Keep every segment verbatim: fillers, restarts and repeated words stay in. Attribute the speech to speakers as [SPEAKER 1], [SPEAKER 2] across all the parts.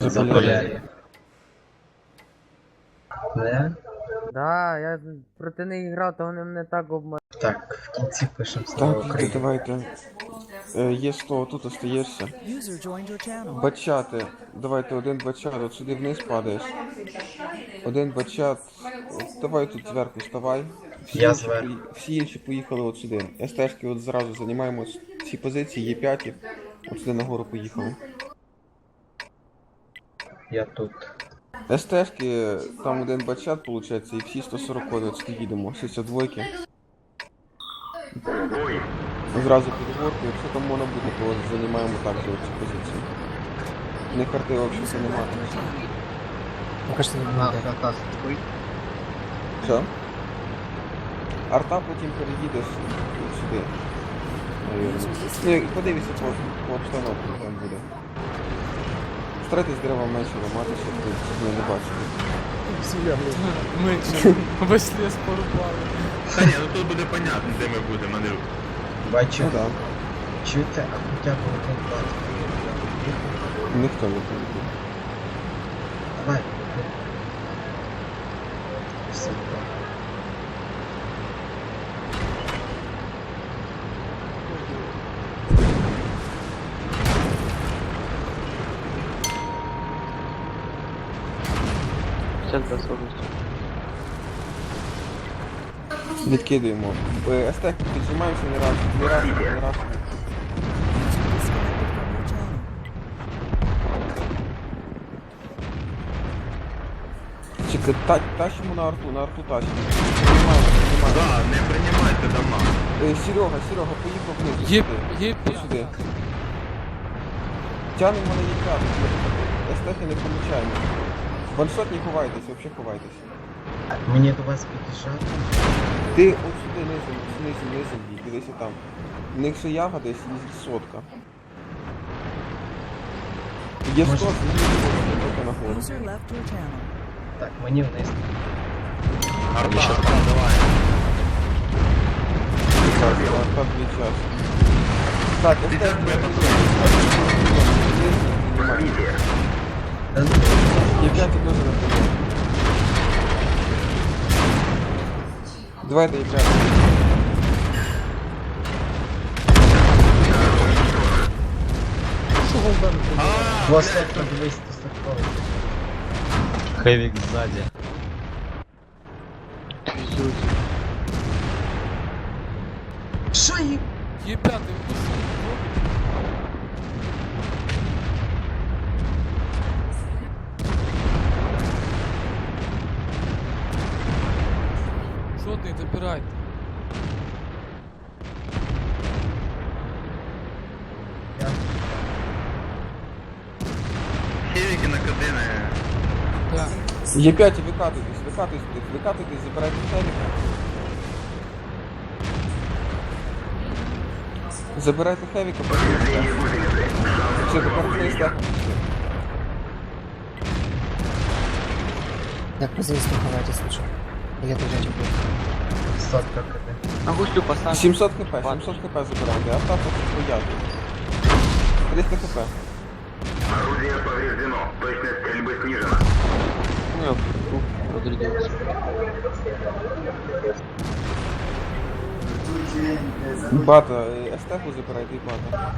[SPEAKER 1] Заполяр'я. Не?
[SPEAKER 2] Да, я проти них грав, то вони мене так обманули.
[SPEAKER 1] Так, в кінці пишемо слава
[SPEAKER 3] Так, Вітя,
[SPEAKER 1] Україні.
[SPEAKER 3] давайте. Е, є сто, тут остаєшся. Бачати. Давайте один бачат, от сюди вниз падаєш. Один бачат. От, давай тут зверху вставай. Всі,
[SPEAKER 1] Я
[SPEAKER 3] інші,
[SPEAKER 1] зверху.
[SPEAKER 3] пої- всі інші поїхали от сюди. СТшки от зразу займаємо ці позиції, є п'ять. От сюди нагору поїхали.
[SPEAKER 1] Я тут.
[SPEAKER 3] СТшки, там один бачат, виходить, і всі сто сорок от сюди їдемо. шістдесят два. Зразу під горку, якщо там можна буде, то займаємо так же цю позицію. Не карти взагалі немає.
[SPEAKER 2] Покажи, не
[SPEAKER 1] На,
[SPEAKER 2] буде.
[SPEAKER 1] на,
[SPEAKER 3] Що? Арта потім переїдеш от сюди. Навірно. Ну, і подивися по, по обстановці, там буде. Старайтесь дерева менше ламати, щоб ви щоб ми не бачили.
[SPEAKER 4] Менше. Весь ліс порубали.
[SPEAKER 5] Та ні, ну тут буде понятно, де ми будемо, Андрюк.
[SPEAKER 1] бачу.
[SPEAKER 3] Ну так,
[SPEAKER 1] Чуєте, а хоча б один бачу.
[SPEAKER 3] ніхто не поїде.
[SPEAKER 1] Давай. Все, так.
[SPEAKER 3] Відкидуємо. Е, Естек, піджимаємося не раз, не раз, не раз. Чекай, та, тащимо на арту, на арту тащимо. Піднімаємо, піднімаємо.
[SPEAKER 5] Да, не приймайте дома.
[SPEAKER 3] Е, Серега, Серега, поїхав вниз.
[SPEAKER 4] Є,
[SPEAKER 3] сюди.
[SPEAKER 4] є
[SPEAKER 3] Ось сюди. Тянемо на їх. Естехи не помічаємо. Ваншот не ховайтесь, взагалі ховайтесь.
[SPEAKER 1] Мені до вас під'їжджати.
[SPEAKER 3] Ти от сюди низом, низом, низом бій, дивися там. В них ще яга десь і сотка. Є
[SPEAKER 1] Може-
[SPEAKER 3] сто, тільки на гору.
[SPEAKER 1] Так, мені вниз.
[SPEAKER 5] Арта, арта, давай.
[SPEAKER 3] Так, дві час. Так,
[SPEAKER 5] Ти
[SPEAKER 3] естехи.
[SPEAKER 5] так тебе
[SPEAKER 1] Та ну,
[SPEAKER 3] Є п'ять теж на прийом. Давайте є п'ять.
[SPEAKER 1] два сотка, дивись, ти стартовий.
[SPEAKER 6] Хэвик сзади.
[SPEAKER 1] Що їм?
[SPEAKER 4] Є п'ятий випуск. Жодний, добирайте.
[SPEAKER 5] Хевіки на кадини.
[SPEAKER 4] Так.
[SPEAKER 3] Є п'ять, викатуйтесь, викатуйтесь, викатуйтесь, забирайте хеліка. Забирайте хевіка, подивіться. Все, тепер не стехом.
[SPEAKER 2] Як позицію ховайте, слушай. Я теж не буду.
[SPEAKER 1] Сотка киде.
[SPEAKER 2] А гуслю поставь.
[SPEAKER 3] сімсот хп, сімсот хп забирайте, а так от стояти. триста хп.
[SPEAKER 5] Орудие повреждено, точность стрельбы снижена.
[SPEAKER 2] Ну, подрядился.
[SPEAKER 3] Бата, е, естеху забирайте і бата.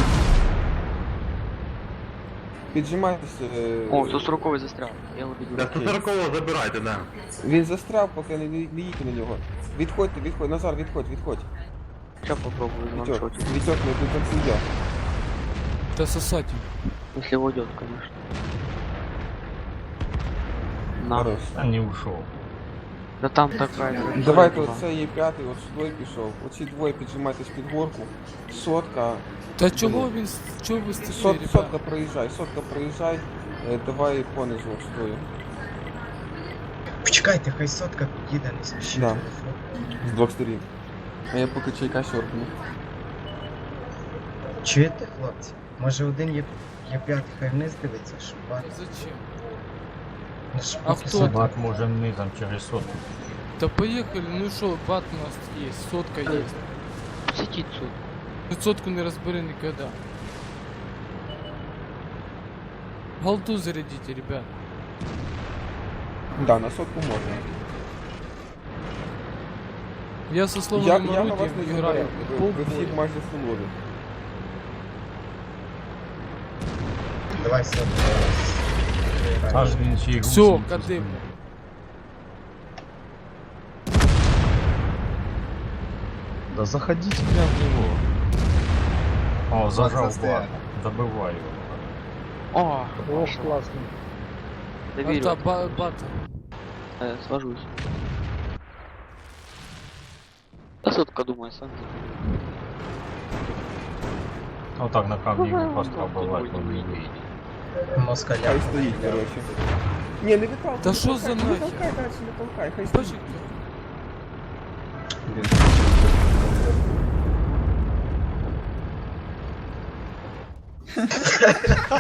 [SPEAKER 3] Піджимайтеся. е,
[SPEAKER 2] О, сто сороковий застрял. Я его видел.
[SPEAKER 5] Да, сто сорокового забирайте, да.
[SPEAKER 3] Він застряв, поки не, не їдьте на нього. Відходьте, відходь, Назар, відходь, відходь.
[SPEAKER 2] Сейчас попробую
[SPEAKER 3] Вітьок,
[SPEAKER 2] ваншотить.
[SPEAKER 3] Вітьок, не до кінця йде.
[SPEAKER 4] Та сосать.
[SPEAKER 2] Если уйдет, конечно. На.
[SPEAKER 3] Хорош.
[SPEAKER 6] А не ушел.
[SPEAKER 2] Да там такая.
[SPEAKER 3] Давайте оце є п'ятий, от сюди пішов. Оці двоє піджимайтесь під горку. Сотка.
[SPEAKER 4] Та чого він, с- чого ви стихли,
[SPEAKER 3] Сот,
[SPEAKER 4] ребят?
[SPEAKER 3] сотка проїжджай, сотка проїжджай. Е, давай понизу от стою.
[SPEAKER 1] Почекайте, хай сотка під'їде, не спішіть.
[SPEAKER 3] Да. З двох сторін. А я поки чайка сьорбну.
[SPEAKER 1] Чуєте, хлопці? Може один є, є п'ятий, хай вниз дивиться, щоб бачити.
[SPEAKER 4] Зачем?
[SPEAKER 1] Ну, щоб
[SPEAKER 4] А
[SPEAKER 1] поки
[SPEAKER 4] хто
[SPEAKER 1] сотка-
[SPEAKER 6] Бак можем мы там через сотку.
[SPEAKER 4] Да поехали, ну что, бат у нас есть, сотка есть.
[SPEAKER 2] Сидит тут.
[SPEAKER 4] Ну сотку не разбери никогда. Голду зарядите, ребят.
[SPEAKER 3] Да, на сотку можна.
[SPEAKER 4] Я со
[SPEAKER 3] Я,
[SPEAKER 4] сломанным
[SPEAKER 3] я на вас
[SPEAKER 4] орудием
[SPEAKER 3] не
[SPEAKER 4] играю.
[SPEAKER 3] забираю. Ви всі майже фулові.
[SPEAKER 1] Давай сотку.
[SPEAKER 6] Аж він ще й
[SPEAKER 4] Все,
[SPEAKER 6] гусеницю
[SPEAKER 4] кадим.
[SPEAKER 6] скинув. Да заходите прям в него. О, зажал
[SPEAKER 1] застоял.
[SPEAKER 6] бат. Добывай его.
[SPEAKER 7] О,
[SPEAKER 8] Ох, класно.
[SPEAKER 7] доверю.
[SPEAKER 4] Это ба- бат.
[SPEAKER 7] Э, свожусь. Да сотка, думаю, сам.
[SPEAKER 6] Вот так на камне его просто
[SPEAKER 7] Ну,
[SPEAKER 6] обывать,
[SPEAKER 7] не
[SPEAKER 6] он не
[SPEAKER 7] выйдет.
[SPEAKER 6] выйдет.
[SPEAKER 1] Москаля.
[SPEAKER 3] Хай стоїть, короче. Ні, не виталкуй.
[SPEAKER 4] Та
[SPEAKER 3] не
[SPEAKER 4] що
[SPEAKER 3] толкай,
[SPEAKER 4] за
[SPEAKER 3] не
[SPEAKER 4] нахер?
[SPEAKER 3] толкай далі, не толкай, хай стоїть.
[SPEAKER 4] Почекай.
[SPEAKER 3] Блін.